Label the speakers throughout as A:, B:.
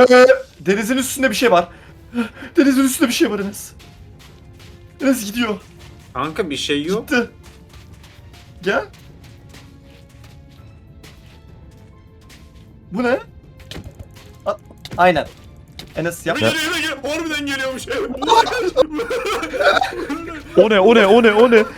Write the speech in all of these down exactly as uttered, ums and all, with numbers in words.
A: Ee, denizin üstünde bir şey var. Denizin üstünde bir şey var Enes. Enes gidiyor.
B: Kanka bir şey yok.
A: Gitti. Gel. Bu ne? A- Aynen. Enes yap.
B: Geliyor geliyor geliyor. Harbiden geliyormuş.
C: O ne o ne o ne o ne?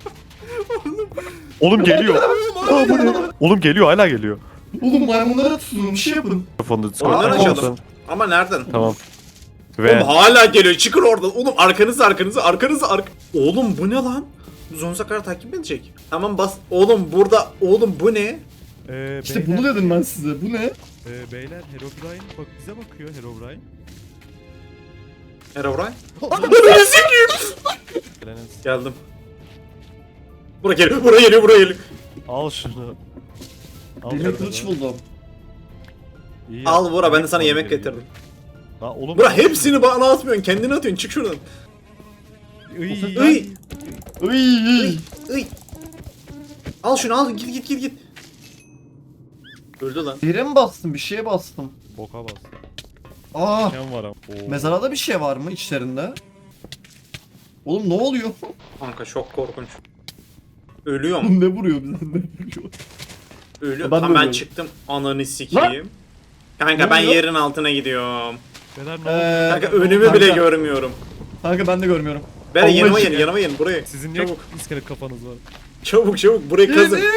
C: Oğlum geliyor. Aa, bu ne? Oğlum geliyor hala geliyor.
A: Oğlum maymunlara tutun bir şey yapın.
C: Telefonda
B: Onları
C: Discord'da.
B: açalım. Ama nereden?
C: Tamam.
B: Oğlum
C: Ve
B: hala geliyor. Çıkın oradan. Oğlum arkanızı arkanızı arkanızı ark. Oğlum bu ne lan? Zonzakar takip mi edecek? Tamam bas. Oğlum burada. Oğlum bu ne?
C: Ee,
A: İşte bunu dedim ben size. Bu ne?
C: e, beyler Herobrine bak bize bakıyor Herobrine.
B: Herobrine?
A: Ananı sikeyim.
C: Enes,
B: Geldim. Buraya geliyor. Buraya geliyor. Buraya geliyor.
C: al şunu. Al
A: Demir
C: şunu.
A: kılıç buldum.
C: İyi
B: Al
C: yaptın.
B: Bora ben de sana
C: Al
B: yemek
C: geliyor.
B: getirdim.
C: Ha oğlum.
B: Bora hepsini bana atmıyorsun. Kendine atıyorsun. Çık şuradan.
C: Iy.
B: Iy.
A: Iy.
B: Iy. Al şunu al. Git git git git. Öldü lan.
A: Yere mi bastım? Bir şeye bastım.
C: Boka bas.
A: Aa.
C: Ken var ama. Oo.
A: Mezarada bir şey var mı içlerinde? Oğlum ne oluyor?
B: Kanka çok korkunç. Ölüyorum.
A: ne vuruyor bize? Ne vuruyor?
B: Ölüyorum.
A: Ben de
B: Ben, ben
A: ölüyorum.
B: çıktım. Ananı sikeyim. Kanka
A: Ne
B: ben
A: oluyor?
B: yerin altına gidiyorum.
C: Beyler ne oldu?
A: Ee,
B: Kanka önümü bile
A: kanka-
B: görmüyorum.
A: Kanka ben de görmüyorum.
B: Ben
A: Allah
B: yanıma
A: aşkına.
B: gelin, yanıma gelin buraya.
C: Sizin niye
B: Çabuk,
C: iskelet kafanız var?
B: çabuk, çabuk burayı kazın.
A: Yedim.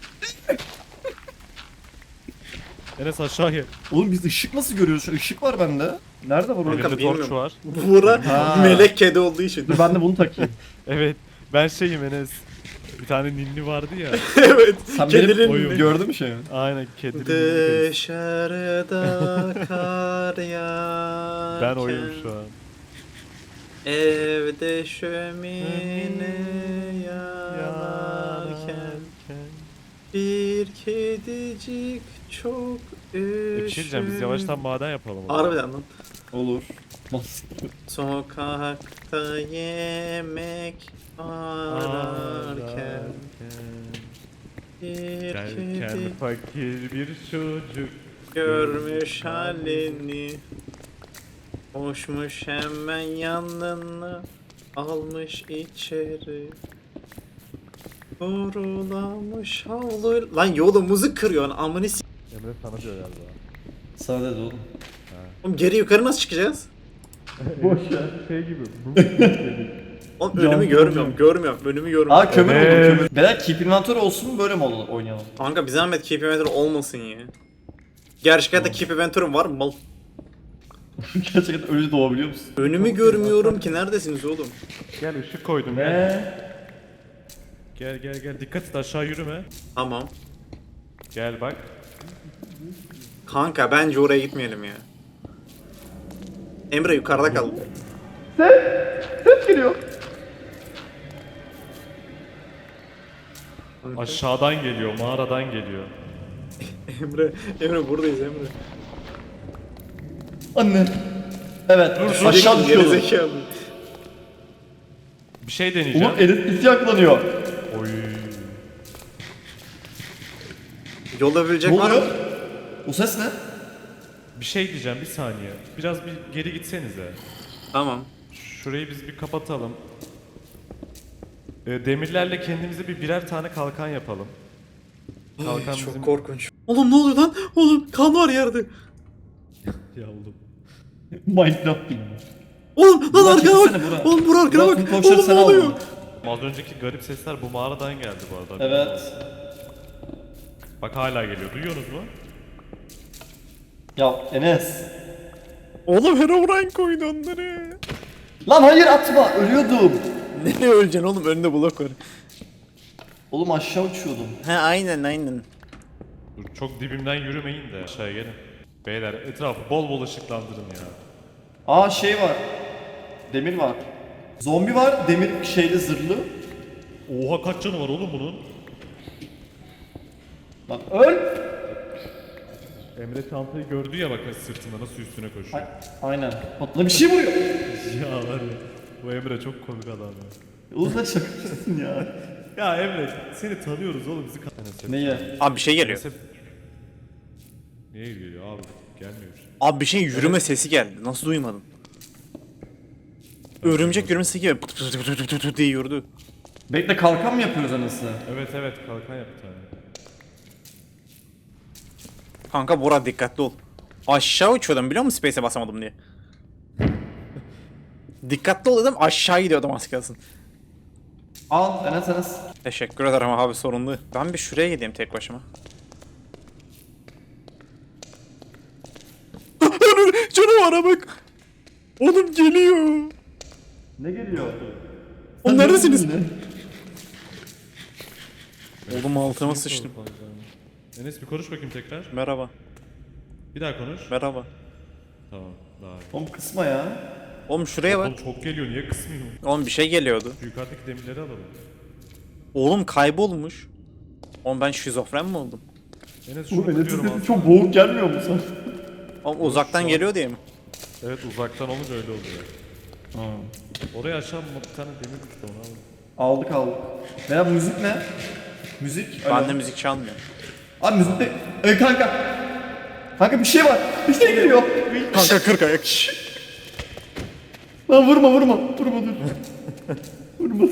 C: Enes aşağı gel.
A: Oğlum biz ışık nasıl görüyoruz? Şu ışık var bende. Nerede var o?
B: Kanka,
C: Elimde torç
B: bilmiyorum.
C: var.
B: Bura
A: Ha.
B: melek kedi olduğu için.
A: Dur ben de bunu takayım.
C: Evet. Ben şeyim Enes. Bir tane ninni vardı ya.
B: Evet.
A: Sen benim
B: Kedinin
C: oyun.
A: gördün mü şeyi?
C: Aynen kedinin ninni.
B: Dışarıda kar yağarken
C: Ben oyum şu an.
B: Evde şömine yanarken Bir kedicik çok
C: E, bir şey diyeceğim biz yavaştan maden yapalım. o zaman.
B: Harbiden lan.
A: Olur. Nasıl?
B: Sokakta yemek ararken Bir
C: Derken
B: kedi
C: fakir bir çocuk.
B: görmüş halini Koşmuş hemen yanına almış içeri Doğrulamış havlu Lan yolumuzu kırıyorsun amını s***
C: Emre sana diyor galiba.
A: Sana dedi oğlum.
B: Oğlum geri yukarı nasıl çıkacağız?
A: Boş ver.
C: Şey gibi.
B: Oğlum
A: Can
B: önümü
A: kırıcı.
B: görmüyorum görmüyorum önümü görmüyorum
A: Aa kömür
C: Evet.
A: buldum kömür. Beyler keep inventory olsun mu böyle mi ol- oynayalım?
B: Kanka bir zahmet keep inventory olmasın ya Gerçek hayatta keep inventory var mı mal?
A: Gerçekten ölü doğabiliyor musun?
B: Önümü görmüyorum ki neredesiniz oğlum?
C: Gel ışık koydum gel.
A: Ne?
C: Gel gel gel dikkat et aşağı yürüme.
B: Tamam.
C: Gel bak.
B: Kanka bence oraya gitmeyelim ya. Emre yukarıda kal.
A: Ses geliyor.
C: Aşağıdan geliyor mağaradan geliyor.
B: Emre, Emre buradayız Emre.
A: Anne. Evet. Aşağı düşüyordum.
B: Gerizekalı.
C: Bir şey deneyeceğim.
A: Oğlum Enes iti yaklanıyor.
C: Oy.
B: Yolda
A: Ne
B: bilecek var mı?
A: oluyor? O ses ne?
C: Bir şey diyeceğim bir saniye. Biraz bir geri gitsenize.
B: Tamam.
C: Şurayı biz bir kapatalım. Ee, demirlerle kendimize bir birer tane kalkan yapalım. Kalkan
B: Çok
C: bizim...
B: korkunç. Oğlum ne oluyor lan? Oğlum kan var yerde.
C: Ya oğlum.
A: Minecraft gibi.
B: Oğlum lan
A: Burak,
B: arkana
A: çekilsene
B: bak.
A: Burak.
B: Oğlum bura arkana
A: Burak,
B: bak.
A: tüm koçları
B: Oğlum
A: sen
B: ne oluyor?
A: aldın.
C: Az önceki garip sesler bu mağaradan geldi bu arada.
A: Evet.
C: Bak hala geliyor. Duyuyorsunuz mu?
A: Ya Enes.
C: Oğlum Herobrine koydu onları.
A: Lan hayır atma ölüyordum.
B: Nereye öleceksin oğlum? Önünde blok var.
A: Oğlum aşağı uçuyordum.
B: He aynen aynen.
C: Dur çok dibimden yürümeyin de aşağıya gelin. Beyler etrafı bol bol ışıklandırın ya.
A: Aa şey var. Demir var. Zombi var demir şeyli zırhlı.
C: Oha kaç canı var oğlum bunun?
A: Lan öl.
C: Emre çantayı gördü ya bak sırtında nasıl üstüne koşuyor.
A: Ay- Aynen. Patla bir şey vuruyor.
C: Ya var ya. Bu Emre çok komik adam ya.
A: Oğlum sen şakacısın ya.
C: Ya Emre seni tanıyoruz oğlum bizi kan...
A: Neye?
B: Abi bir şey geliyor.
C: Neyse- Niye geliyor abi? Gelmiyor bir şey.
B: Abi bir şeyin yürüme sesi geldi. Nasıl duymadın? Örümcek yürüme sesi gibi pıt pıt pıt pıt pıt pıt diye yürüdü.
A: Bekle kalkan mı yapıyoruz anasını?
C: Evet evet kalkan yap bir tane.
B: Kanka Bora dikkatli ol. Aşağı uçuyordum biliyor musun space'e basamadım diye. Dikkatli ol dedim aşağı gidiyordum az kalsın.
A: Al Enes Enes.
B: Teşekkür ederim abi sorunlu. Ben bir şuraya gideyim tek başıma. Canavara bak. Oğlum geliyor.
A: Ne geliyor?
B: Oğlum neredesiniz?
A: Ne?
B: Oğlum altıma sıçtım.
C: Enes bir konuş bakayım tekrar.
B: Merhaba.
C: Bir daha konuş.
B: Merhaba.
C: Tamam daha iyi.
A: Oğlum kısma ya.
B: Oğlum şuraya
C: Oğlum
B: bak.
C: çok geliyor niye kısmıyor?
B: Oğlum bir şey geliyordu.
C: Şu yukarıdaki demirleri alalım.
B: Oğlum kaybolmuş. Oğlum ben şizofren mi oldum?
C: Enes şunu
A: Oğlum Enes'in
C: tutuyorum
A: sesi
C: az.
A: çok boğuk gelmiyor mu sana?
B: Oğlum uzaktan
C: Şu an-
B: geliyor diye mi?
C: Evet uzaktan olunca öyle oluyor. Oraya aşağı bir tane demir düştü onu alalım.
A: Aldık aldık. Veya müzik ne? Müzik? Alo.
B: Bende müzik çalmıyor.
A: Abi müzik de... E, kanka. Kanka bir şey var. Bir şey geliyor.
B: Kanka kırk ayak.
A: Lan vurma vurma. Vurma dur. Vurma.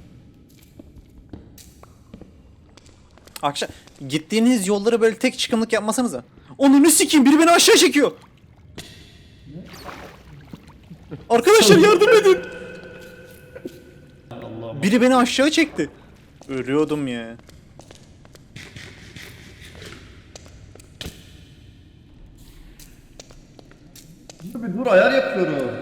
B: Akşam gittiğiniz yolları böyle tek çıkımlık yapmasanıza. Onu ne sikeyim biri beni aşağı çekiyor. Arkadaşlar yardım edin.
C: Allah'ım.
B: Biri beni aşağı çekti. Ölüyordum ya.
A: Dur bir dur ayar yapıyorum.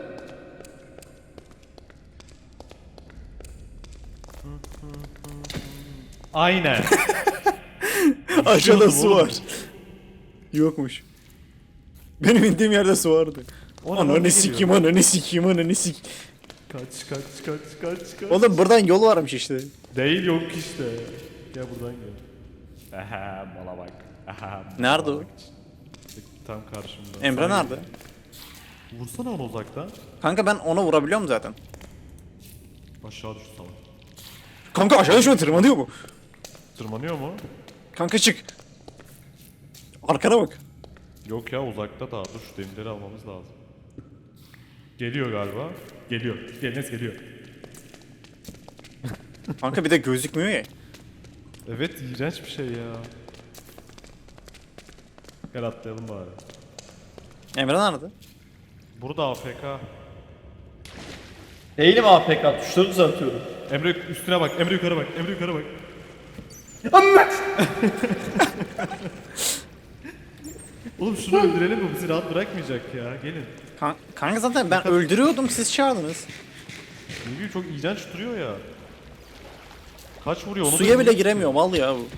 C: Aynen.
B: Aşağıda su
C: oğlum.
B: var. Yokmuş. Benim indiğim yerde su vardı.
C: O ne,
B: Ananı
C: bana
B: sikeyim ananı sikeyim ananı sik.
C: Kaç kaç kaç kaç kaç.
B: Oğlum buradan yol varmış işte.
C: Değil yok işte. Gel buradan gel. Aha mala bak. Aha. mala
B: Nerede o?
C: bak. Tam karşımda.
B: Emre
C: Sana
B: nerede?
C: geliyor. Vursana onu uzaktan.
B: Kanka ben ona vurabiliyorum zaten.
C: Aşağı düştü salak.
B: Kanka aşağıda şöyle tırmanıyor bu.
C: Tırmanıyor mu?
B: Kanka çık. Arkana bak.
C: Yok ya uzakta daha. Dur şu demirleri almamız lazım. Geliyor galiba. Geliyor. Enes geliyor.
B: Kanka bir de gözükmüyor ya.
C: Evet iğrenç bir şey ya. Gel atlayalım bari.
B: Emre nerede?
C: Burada A F K.
A: Değilim A P K. Tuşları düzeltiyorum.
C: Emre üstüne bak. Emre yukarı bak. Emre yukarı bak.
A: Amma!
C: Oğlum şunu öldürelim mi? Bizi rahat bırakmayacak ya. Gelin.
B: Kan- kanka zaten ben öldürüyordum siz çağırdınız.
C: Çünkü çok iğrenç duruyor ya. Kaç vuruyor onu da
B: Suya bile
C: bilmiyorum.
B: giremiyorum al ya bu.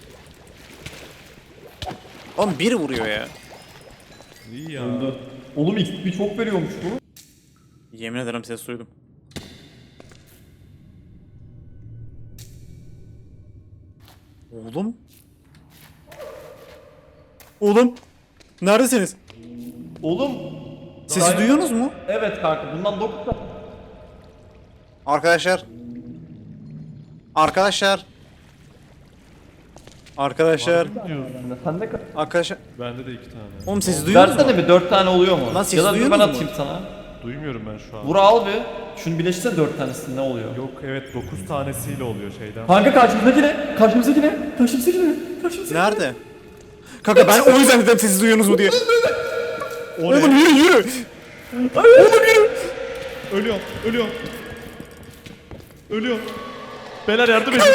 B: Oğlum bir vuruyor ya.
C: İyi ya.
A: Öldü. Oğlum X P çok veriyormuş bu.
B: Yemin ederim ses duydum. Oğlum. Oğlum. Neredesiniz?
A: Oğlum.
B: Sesi
A: Daha-
B: duyuyorsunuz mu?
A: Evet kanka bundan dokuz tane.
B: Arkadaşlar. Arkadaşlar. Arkadaşlar.
A: Sen de
B: Arkadaşlar.
C: Bende de iki tane.
B: Oğlum sesi duyuyorsunuz mu?
A: versene bir dört tane oluyor mu?
B: Lan sesi
A: ya da dur ben
B: duyuyorsunuz mu?
A: atayım sana.
C: Duymuyorum ben şu an.
A: Vur al bir. Şunu birleştirsene dört tanesi ne oluyor?
C: Yok evet dokuz tanesiyle oluyor şeyden.
A: Kanka karşımızdaki ne? Karşımızdaki ne? Karşımızdaki ne? Karşımızdaki ne?
B: Nerede? Kanka ben o yüzden dedim sesi duyuyorsunuz mu diye.
C: O
B: Oğlum
C: ne?
B: yürü yürü.
C: Ölüyorum. Ölüyorum. Ölüyorum. Beyler yardım edin.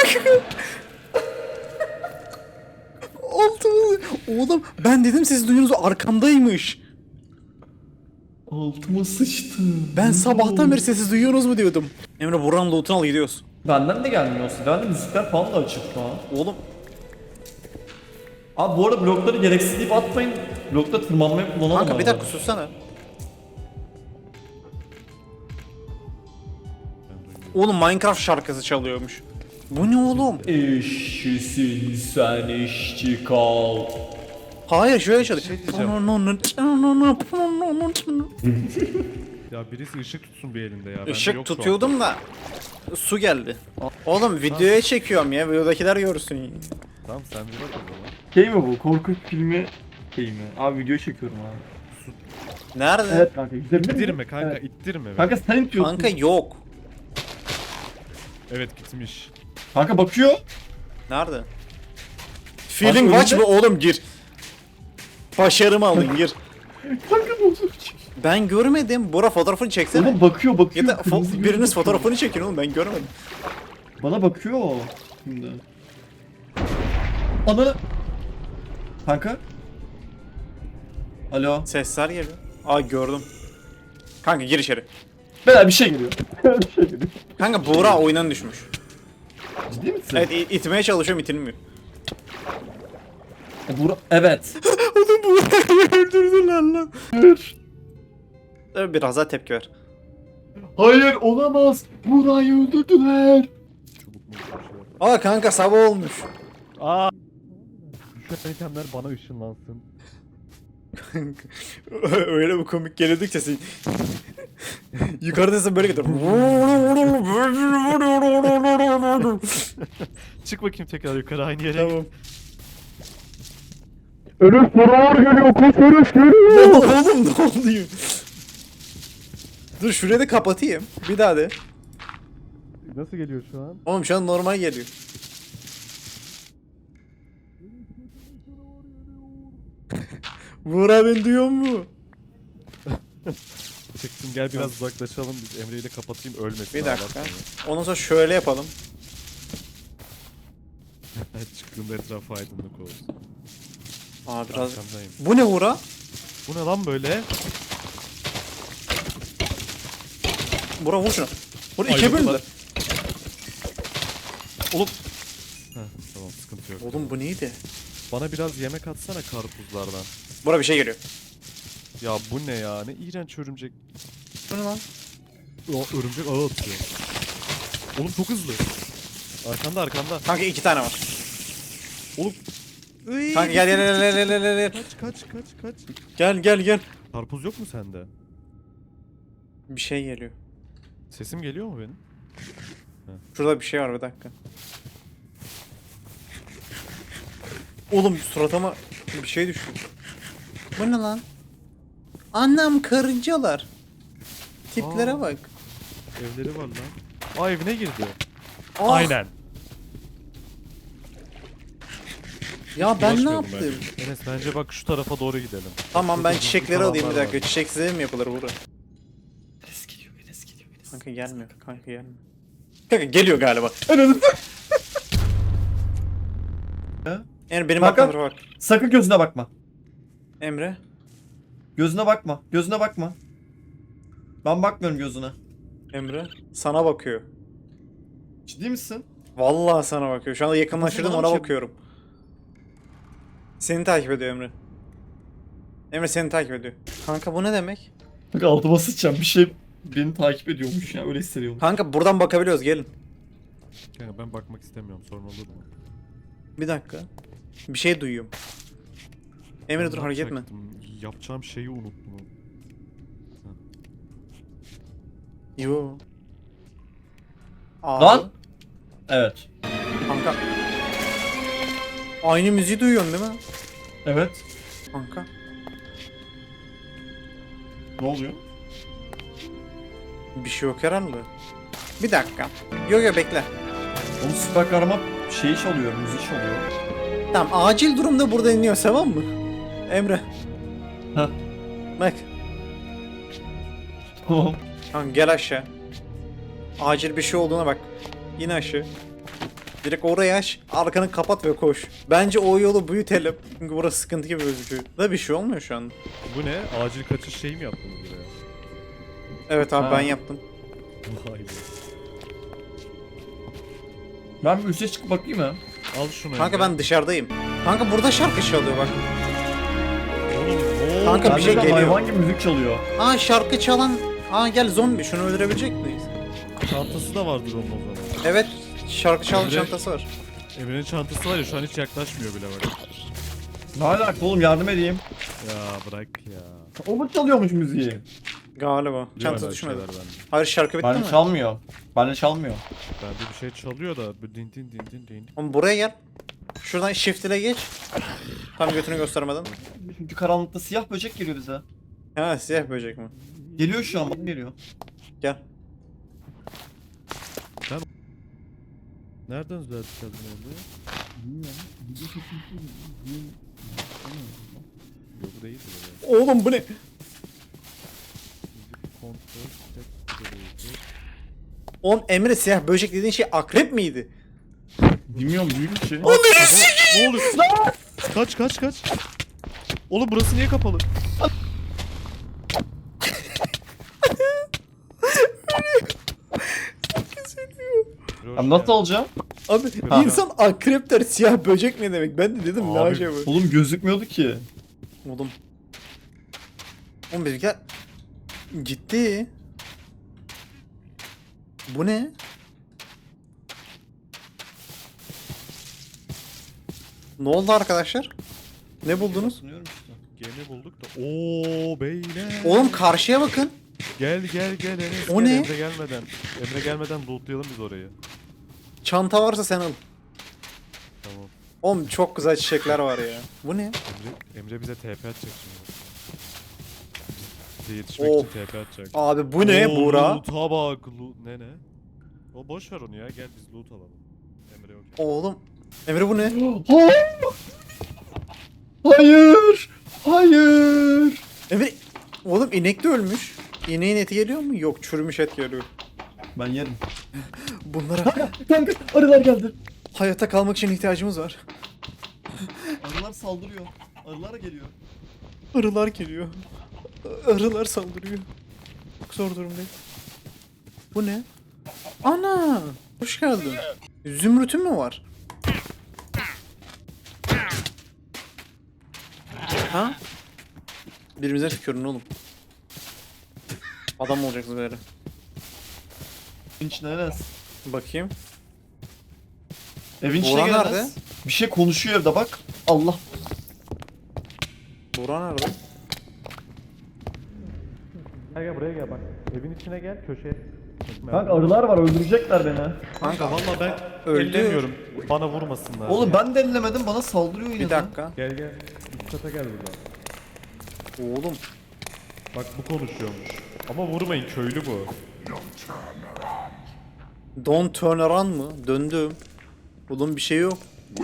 B: Altımı. Oğlum ben dedim sesi duyuyorsunuz arkamdaymış.
A: Altıma sıçtım.
B: Ben sabahtan beri sesi duyuyorsunuz mu diyordum. Emre buranın loot'unu al gidiyoruz.
A: Benden de gelmiyorsun. Bende müzikler falan da açık şu an.
B: Oğlum
A: Abi bu arada blokları gereksiz deyip atmayın. Blokta tırmanmayı kullanalım.
B: kanka bir
A: arada.
B: dakika sussana. Oğlum Minecraft şarkısı çalıyormuş. Bu ne oğlum?
A: İşçisin sen işçi kal.
B: Hayır şöyle çalıyor.
C: şey diyeceğim. Ya birisi ışık tutsun bir elinde ya. Bende yok
B: Işık
C: şu an.
B: tutuyordum da su geldi. Oğlum videoya çekiyorum ya. Videodakiler görsün.
C: Tamam sen bir bak o zaman.
A: Şey mi bu? Korku filmi sikeyim ya. Abi video çekiyorum abi.
B: Nerede?
A: Evet kanka gidebilir miyim?
C: İttirme kanka,
A: Evet.
C: ittirme. be.
A: Kanka sen itiyorsun.
B: Kanka yok.
C: Evet gitmiş.
A: Kanka bakıyor.
B: Nerede? Feeling
A: önünde-
B: watch mı oğlum gir. Başarımı alın gir.
A: Kanka bozuk.
B: Ben görmedim. Bora fotoğrafını çeksene.
A: Oğlum bakıyor bakıyor.
B: Ya da fo-
A: Kırmızı gözü
B: biriniz
A: bakıyor.
B: fotoğrafını çekin oğlum ben görmedim.
A: Bana bakıyor o şimdi. Ana. Kanka. Alo.
B: Sesler geliyor. Aa gördüm. Kanka gir içeri.
A: Bela bir şey geliyor. bir şey geliyor.
B: Kanka Buğra oyundan düşmüş.
A: Ciddi misin?
B: Evet i- itmeye çalışıyorum itilmiyor.
A: E, Bura... Evet.
B: Oğlum Buğra'yı öldürdüler lan.
A: Hayır.
B: Dur biraz daha tepki ver.
A: Hayır olamaz. Burayı öldürdüler.
C: Çubuk mu bir şey yap.
B: Aa kanka sabah olmuş.
C: Aa. Düşen itemler bana ışınlansın.
B: Öyle bir komik geliyordu ki sesin. Yukarıdasın böyle gidiyor.
C: Çık bakayım tekrar yukarı aynı yere.
B: Tamam.
A: Örüş buralar geliyor. Koş örüş geliyor.
B: Oğlum ne oluyor? Dur şurayı da kapatayım. Bir daha de.
C: Nasıl geliyor şu an?
B: Oğlum şu an normal geliyor. Buğra beni duyuyor mu?
C: Çıktım gel biraz uzaklaşalım biz Emre ile kapatayım ölmesin.
B: Bir
C: ağlar
B: dakika.
C: sonra.
B: Ondan sonra şöyle yapalım.
C: Evet, çıktığımda etrafı aydınlık olsun.
B: Aa biraz.
C: Arkamdayım.
B: Bu ne Buğra?
C: Bu ne lan böyle?
B: Buğra vur şunu. Vur ikiye
C: Ayrıldılar.
B: bölündü.
C: Oğlum. Heh, tamam sıkıntı yok.
B: Oğlum bu neydi?
C: Bana biraz yemek atsana karpuzlardan.
B: Buğra bir şey geliyor.
C: Ya bu ne ya? Ne iğrenç örümcek.
B: Bu ne lan?
C: O örümcek ağı atıyor. Oğlum çok hızlı. Arkanda arkanda.
B: Kanka iki tane var.
C: Oğlum.
B: Kanka gel gel gel gel gel gel.
C: Kaç kaç kaç kaç.
B: Gel gel gel.
C: Karpuz yok mu sende?
B: Bir şey geliyor.
C: Sesim geliyor mu benim?
B: Şurada bir şey var bir dakika. Oğlum suratıma bir şey düştü. Bu ne lan? Annem karıncalar. Tiplere
C: Aa.
B: bak.
C: Evleri var lan. Aa evine girdi.
B: Ah,
C: Aynen.
B: Ya ben ne
C: Bulaşmayalım
B: yaptım?
C: bence. Enes bence bak şu tarafa doğru gidelim.
B: Tamam ben
C: Şurada
B: çiçekleri
C: hızlı
B: alayım bir
C: falanlar
B: dakika.
C: var.
B: Çiçek size mi yapılır burada?
A: Enes geliyor. Enes geliyor. Enes.
B: Kanka gelmiyor. Kanka gelmiyor. Kanka geliyor galiba. Yani benim
A: Kanka.
B: aklımda bak.
A: Sakın gözüne bakma.
B: Emre.
A: Gözüne bakma. Gözüne bakma. Ben bakmıyorum gözüne.
B: Emre. Sana bakıyor.
A: Ciddi misin?
B: Vallahi sana bakıyor. Şu anda yakınlaştırdım
A: Kafasına
B: ona
A: bir şey-
B: bakıyorum. Seni takip ediyor Emre. Emre seni takip ediyor. Kanka bu ne demek?
A: Kanka altıma sıçacağım. Bir şey beni takip ediyormuş ya. Öyle hissediyorum.
B: Kanka buradan bakabiliyoruz gelin.
C: Kanka ben bakmak istemiyorum sorun olur mu?
B: Bir dakika. Bir şey duyuyorum. Emre dur
C: Ben
B: hareket etme.
C: yapacaktım? Yapacağım şeyi unuttum.
B: Yo. Abi.
A: Lan! Evet.
B: Kanka. Aynı müziği duyuyorsun değil mi?
A: Evet.
B: Kanka.
A: Ne oluyor?
B: Bir şey yok herhalde. Bir dakika. Yo yo bekle.
A: Onun süper kahraman şeyi çalıyor. Müzik çalıyor.
B: Tamam acil durumda burada iniyor tamam mı? Emre.
A: Heh.
B: Bak.
A: Tamam.
B: Kanka gel aşağı. Acil bir şey olduğuna bak. İn aşağı. Direkt oraya aç. Arkanı kapat ve koş. Bence o yolu büyütelim. Çünkü burası sıkıntı gibi gözüküyor. Da bir şey olmuyor şu an.
C: Bu ne? Acil kaçış şeyi mi yaptınız buraya?
B: Evet abi
A: Ha.
B: ben yaptım.
C: Vay be.
A: Ben bir üste çıkıp bakayım mı?
C: Al şunu.
B: Kanka
C: Emre.
B: ben dışarıdayım. Kanka burada şarkı çalıyor bak.
C: Oğlum ne
B: Kanka
C: oldu?
B: bir şey
A: Bende de
B: geliyor.
A: hayvan gibi müzik çalıyor.
B: Aa şarkı çalan. Aa gel zombi şunu öldürebilecek miyiz?
C: Çantası da vardır onun o zaman.
B: Evet şarkı çalan
C: Emre.
B: çantası var.
C: Emre'nin çantası var ya şu an hiç yaklaşmıyor bile bak.
A: Ne alaka oğlum yardım edeyim.
C: Ya bırak ya.
A: O mu çalıyormuş müziği?
B: Galiba.
C: Yok
B: Çantası
C: öyle
B: düşmedi.
C: şeyler bende.
B: Hayır şarkı bitti
A: Bende
B: mi?
A: çalmıyor. Bende çalmıyor.
C: Bende bir şey çalıyor da böyle din din din din din.
B: Oğlum buraya gel. Şuradan shift ile geç. Tam götünü göstermeden.
A: Çünkü karanlıkta siyah böcek geliyor bize.
B: Ha siyah böcek mi?
A: Geliyor şu an, bak geliyor.
B: Gel.
C: Nereden düzelttik adını oldu? Yok bu değil mi?
B: Oğlum bu ne?
C: Kontrol tek görüyordu.
B: Oğlum Emre siyah böcek dediğin şey akrep miydi?
A: Bilmiyorum, büyük bir şey.
C: Ne oluyor? Kaç kaç kaç. Oğlum burası niye kapalı?
A: Abi nasıl olacağım?
B: Abi
C: Ha.
B: insan akrep der, siyah böcek ne demek? Ben de dedim ne
C: Abi.
B: acaba?
A: Oğlum gözükmüyordu ki.
B: Oğlum. Oğlum bizimkiler gitti. Bu ne? Ne oldu arkadaşlar? Ne buldunuz?
A: Sunuyorum işte.
C: Gemi bulduk da. Oo beyler.
B: Oğlum karşıya bakın.
C: Gel gel gel Enes.
B: O
C: gel,
B: ne?
C: Emre gelmeden. Emre gelmeden lootlayalım biz orayı.
B: Çanta varsa sen al.
C: Tamam.
B: Oğlum çok güzel çiçekler var ya. Bu ne?
C: Emre, Emre bize T P atacak şimdi. Bize yetişmek
B: Of.
C: için T P atacak.
B: Abi bu ne
C: Oo,
B: Buğra?
C: Loot'a bak. Loot, ne ne? O boş ver onu ya. Gel biz loot alalım. Emre yok.
B: Oğlum. Emre bu ne?
A: Hayır! Hayır!
B: Emre. Oğlum inek de ölmüş. İneğin eti geliyor mu? Yok, çürümüş et geliyor.
A: Ben yerim.
B: Bunlara
A: Kanka arılar geldi.
B: hayatta kalmak için ihtiyacımız var.
A: Arılar saldırıyor. Arılar geliyor.
B: Arılar geliyor. Arılar saldırıyor. Çok zor durumdayım. Bu ne? Ana! Hoş geldin. Zümrütün mü var? Ha? Birimize tükürün oğlum. Adam olacaksınız böyle.
A: Evin içine Enes.
B: Bakayım.
A: Evin içine
B: Buğra
A: gel
B: nerede?
A: Enes. Bir şey konuşuyor evde bak. Allah.
B: Buğra nerede?
C: Gel gel buraya gel bak. Evin içine gel köşeye.
A: Kanka arılar var, öldürecekler beni.
B: Kanka
C: Valla ben
B: Öldü.
C: ellemiyorum. Bana vurmasınlar.
A: Oğlum ben de ellemedim, bana saldırıyor yine.
B: bir dakika.
C: Gel gel. Üst kata gel buradan.
B: Oğlum.
C: Bak bu konuşuyormuş. Ama vurmayın, köylü bu.
B: Don't turn around mı? Döndüm. Oğlum bir şey yok.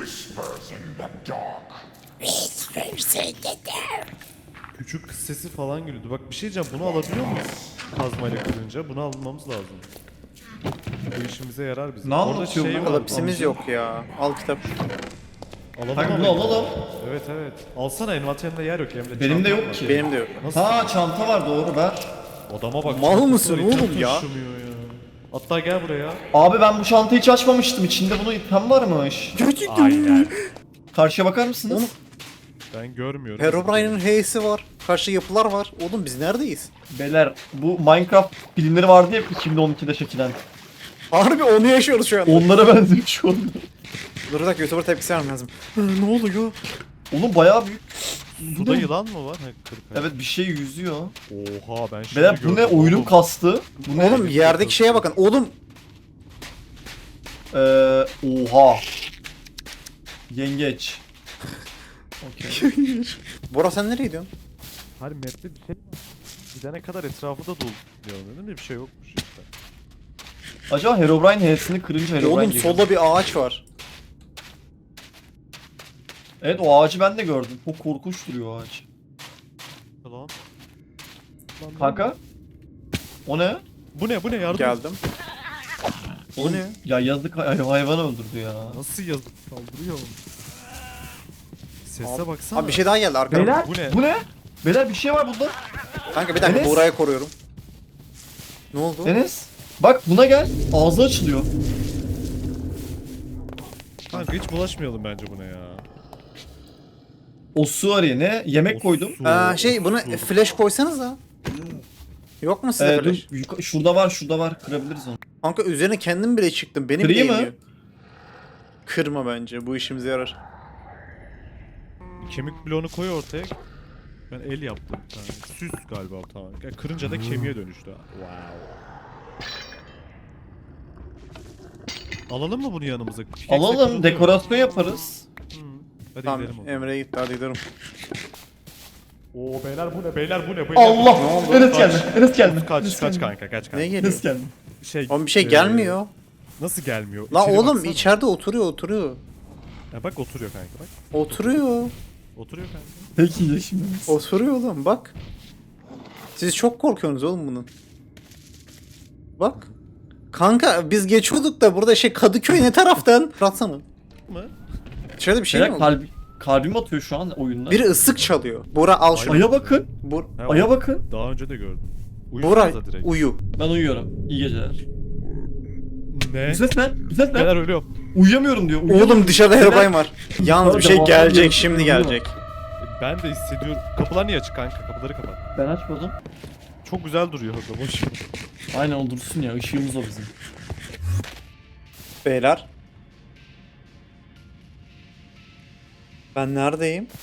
C: Küçük kız sesi falan geliyordu. Bak bir şey diyeceğim, bunu alabiliyor muyuz? Kazmayla kırınca bunu almamız lazım. Bu işimize yarar bizim.
A: Ne
C: Orada
A: anlatıyor
C: şey
A: bu?
C: var.
B: Kalapsimiz yok ya. Al kitap.
C: Alalım
A: Kanka
C: ama-
A: bunu alalım.
C: Evet evet. Alsana, envanterinde yer yok Emre.
A: Benim de
C: çantam
A: yok
C: var.
A: ki.
B: Benim de yok.
C: Nasıl?
A: Ha çanta var, doğru ver.
C: Adama bak.
B: Mal
C: çantası
B: mısın
C: var, item
B: oğlum ya?
C: taşımıyor ya. Hatta gel buraya.
A: Abi ben bu çantayı hiç açmamıştım. İçinde bunun item varmış.
C: Aynen.
A: Karşıya bakar mısınız?
B: Oğlum,
C: Ben görmüyorum.
B: Herobrine'in H'si var. Karşı yapılar var. Oğlum biz neredeyiz?
A: Beyler bu Minecraft filmleri vardı ya iki bin on ikide çekilen.
B: Harbi onu yaşıyoruz şu an.
A: Onlara benziyor şu an.
B: Dur bir dakika, YouTuber tepkisi vermem lazım. Hı, ne oluyor?
A: Oğlum bayağı büyük.
C: Suda yılan mı var? Ha, kırk.
A: Evet bir şey yüzüyor.
C: Oha ben şimdi
A: Beyler bu ne,
C: gördüm
A: oyunum
C: oğlum.
A: kastı. Bu ne?
B: Oğlum yerdeki şeye bakın. Oğlum
A: Ee, oha. Yengeç. Okey.
B: Bora sen nereye gidiyorsun?
C: Hani map'te bir şey var. Gidene kadar etrafı da dolu diyorum dedim de bir şey yokmuş işte.
A: Acaba Herobrine H'sini kırınca Herobrine
B: Oğlum
A: geliyor.
B: solda bir ağaç var.
A: Evet o ağacı ben de gördüm. Çok korkunç duruyor o ağaç.
C: Lan. Lan
A: Kanka. O ne?
C: Bu ne bu ne yardım.
B: Geldim.
A: O
B: ne?
A: Ya yazık hay- hayvanı öldürdü ya.
C: Nasıl yazık saldırıyor? Sese
B: Abi-
C: baksana.
B: Abi bir şey daha geldi arkadan.
A: Beyler
C: Bu ne?
A: bu ne? Beyler bir şey var burada.
B: Kanka bir dakika,
A: Enes.
B: Bora'yı koruyorum. Ne oldu?
A: Enes. Bak buna gel. Ağzı açılıyor.
C: Kanka hiç bulaşmayalım bence buna ya.
A: O su arıyor ne? Yemek
C: O
A: koydum.
C: su,
B: Aa, şey
C: o
B: buna
C: su.
B: flash koysanız da. Yok mu size
A: Ee, dur,
B: flash?
A: yuka- şurada var, şurada var. Kırabiliriz onu.
B: Kanka üzerine kendim bile çıktım. Benim
A: Kırayım mı?
B: değmiyor. Kırma bence. Bu işimize yarar.
C: Kemik bloğunu koy ortaya. Ben el yaptım bir tane. Süs galiba o tamam. Yani kırınca da kemiğe dönüştü. Wow. Alalım mı bunu yanımıza? Pickaxe
A: Alalım,
C: kırılıyor.
A: dekorasyon yaparız.
C: Hmm. Hadi
B: Tamam
C: gidelim o zaman.
B: Emre gitti hadi gidelim.
C: Oo beyler bu ne beyler bu ne beyler.
A: Allah!
B: Ne oldu?
A: Enes gelme. Enes gelme.
C: Kaç
A: Enes
C: kaç
A: gelme.
C: kanka kaç kanka.
B: Ne geliyor?
A: Enes gelme.
C: Şey,
B: Oğlum bir şey
C: e,
B: gelmiyor.
C: Nasıl gelmiyor?
B: La
C: İçeri
B: oğlum
C: baksana.
B: içeride oturuyor oturuyor.
C: Ya bak oturuyor kanka bak.
B: Oturuyor.
C: Oturuyor kanka.
A: Peki ya şimdi.
B: Oturuyor oğlum bak. Siz çok korkuyorsunuz oğlum bunun. Bak. Kanka biz geçiyorduk da burada şey Kadıköy ne taraftan? Ratsana.
C: Mı?
B: İçeride bir şey mi
A: Şeyler
B: oldu?
A: kalbi, kalbim atıyor şu an oyunda.
B: Biri ıslık çalıyor. Bura al şunu.
A: Aya bakın.
B: Bur
C: Ha,
A: Aya
C: o-
A: bakın.
C: Daha önce de gördüm.
B: Bura
C: Uyusanıza direkt.
B: uyu.
A: Ben uyuyorum. İyi geceler.
C: Ne?
A: Bu ses ne? Bu ses ne?
C: Beyler ölüyorum.
A: Uyuyamıyorum diyor. Uyuyamıyorum.
B: Oğlum dışarıda
A: Neden?
B: Herobrine var. Yalnız bir şey
A: Devam
B: gelecek
A: ediyor.
B: şimdi gelecek.
C: Ben de hissediyorum. Kapılar niye açık kanka? Kapıları kapat.
A: Ben açmadım.
C: Çok güzel duruyor orada boş.
A: Aynen o dursun ya. Işığımız o bizim.
B: Beyler. Ben neredeyim?